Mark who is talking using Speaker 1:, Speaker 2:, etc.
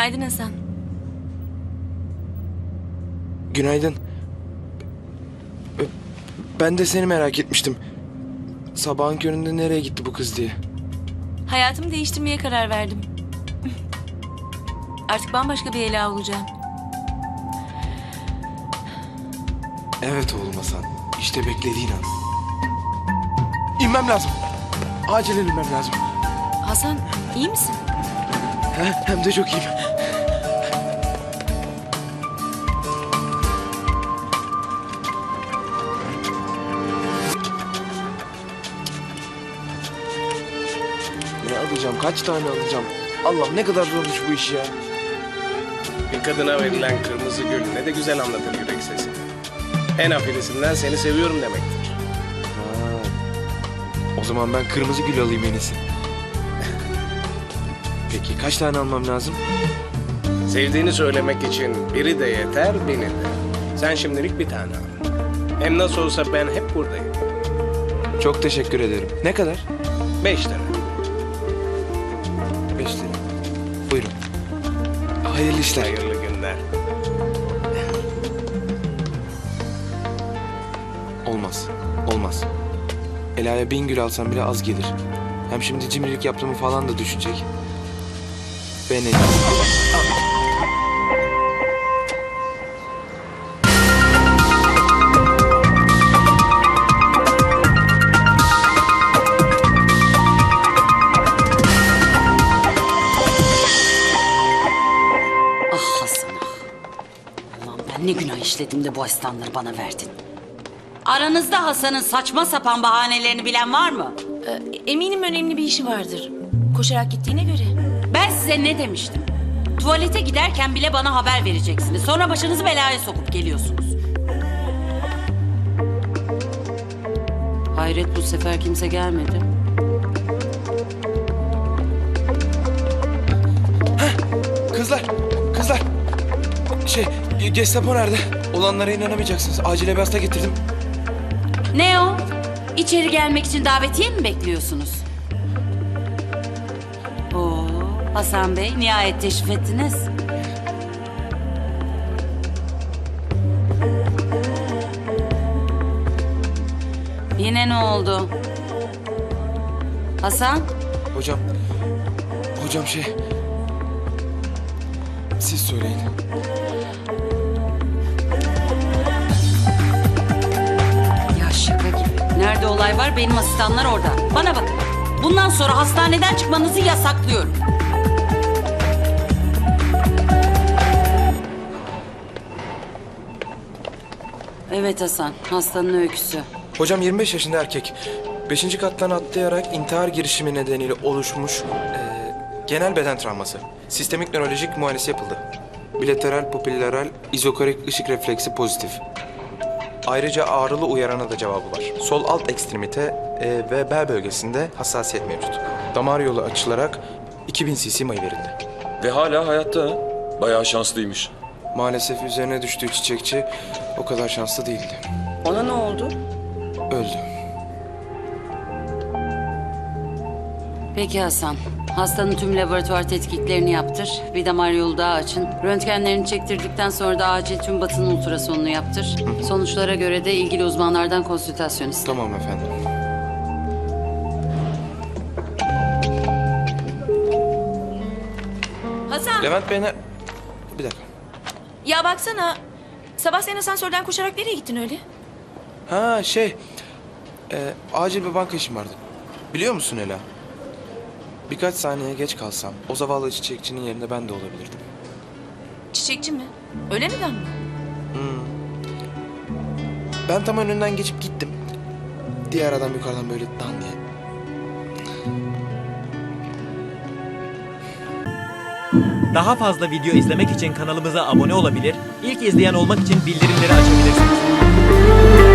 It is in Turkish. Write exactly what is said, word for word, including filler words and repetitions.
Speaker 1: Günaydın Hasan.
Speaker 2: Günaydın. Ben de seni merak etmiştim. Sabahın köründe nereye gitti bu kız diye.
Speaker 1: Hayatımı değiştirmeye karar verdim. Artık bambaşka bir Ela olacağım.
Speaker 2: Evet oğlum Hasan. İşte beklediğin an. İnmem lazım. Acilen inmem lazım.
Speaker 1: Hasan, iyi misin?
Speaker 2: He, hem de çok iyiyim. Ne alacağım? Kaç tane alacağım? Allah'ım ne kadar zormuş bu iş ya.
Speaker 3: Bir kadına verilen kırmızı gül ne de güzel anlatır yürek sesi. En afilisinden seni seviyorum demektir.
Speaker 2: Ha. O zaman ben kırmızı gül alayım en iyisi. Peki kaç tane almam lazım?
Speaker 3: Sevdiğini söylemek için biri de yeter, biri de. Sen şimdilik bir tane al. Hem nasıl olsa ben hep buradayım.
Speaker 2: Çok teşekkür ederim. Ne kadar?
Speaker 3: Beş lira.
Speaker 2: Beş lira. Buyurun. Hayırlı işler.
Speaker 3: Hayırlı günler.
Speaker 2: Olmaz. Olmaz. Ela'ya bin gül alsam bile az gelir. Hem şimdi cimrilik yaptığımı falan da düşünecek. Ben en
Speaker 4: Ah Hasan ah. Ulan ben ne günah işledim de bu asistanları bana verdin. Aranızda Hasan'ın saçma sapan bahanelerini bilen var mı?
Speaker 1: Ee, eminim önemli bir işi vardır. Koşarak gittiğine göre.
Speaker 4: Ben size ne demiştim? Tuvalete giderken bile bana haber vereceksiniz. Sonra başınızı belaya sokup geliyorsunuz. Hayret bu sefer kimse gelmedi.
Speaker 2: Kızlar, kızlar. Şey, Gestapo nerede? Olanlara inanamayacaksınız. Acile bir hasta getirdim.
Speaker 4: Ne o? İçeri gelmek için davetiye mi bekliyorsunuz? Oo, Hasan Bey nihayet teşrif ettiniz. Yine ne oldu? Hasan?
Speaker 2: Hocam, hocam şey... Siz söyleyin.
Speaker 4: Ya şaka gibi. Nerede olay var benim asistanlar orada. Bana bakın. Bundan sonra hastaneden çıkmanızı yasaklıyorum. Evet Hasan, hastanın öyküsü.
Speaker 2: Hocam yirmi beş yaşında erkek. Beşinci kattan atlayarak intihar girişimi nedeniyle oluşmuş eee, genel beden travması. Sistemik nörolojik muayenesi yapıldı. Bilateral popilaral izokorik ışık refleksi pozitif. Ayrıca ağrılı uyarana da cevabı var. Sol alt ekstremite e, ve bel bölgesinde hassasiyet mevcut. Damar yolu açılarak iki bin cc mayı verildi.
Speaker 5: Ve hala hayatta ha. Bayağı şanslıymış.
Speaker 2: Maalesef üzerine düştüğü çiçekçi o kadar şanslı değildi.
Speaker 4: Ona ne oldu?
Speaker 2: Öldü.
Speaker 4: Peki Hasan, hastanın tüm laboratuvar tetkiklerini yaptır. Bir damar yolu daha açın. Röntgenlerini çektirdikten sonra da acil tüm batın ultrasonunu yaptır. Sonuçlara göre de ilgili uzmanlardan konsültasyon iste.
Speaker 2: Tamam efendim.
Speaker 1: Hasan,
Speaker 2: Levent Bey ne... Bir dakika.
Speaker 1: ya baksana. Sabah sen asansörden koşarak nereye gittin öyle?
Speaker 2: Ha şey... e, acil bir banka işim vardı. Biliyor musun Ela? Birkaç saniye geç kalsam o zavallı çiçekçinin yerinde ben de olabilirdim.
Speaker 1: Çiçekçi mi? Öyle neden mi?
Speaker 2: Ben tam önünden geçip gittim. Diğer adam yukarıdan böyle dan diye.
Speaker 6: Daha fazla video izlemek için kanalımıza abone olabilir, ilk izleyen olmak için bildirimleri açabilirsiniz.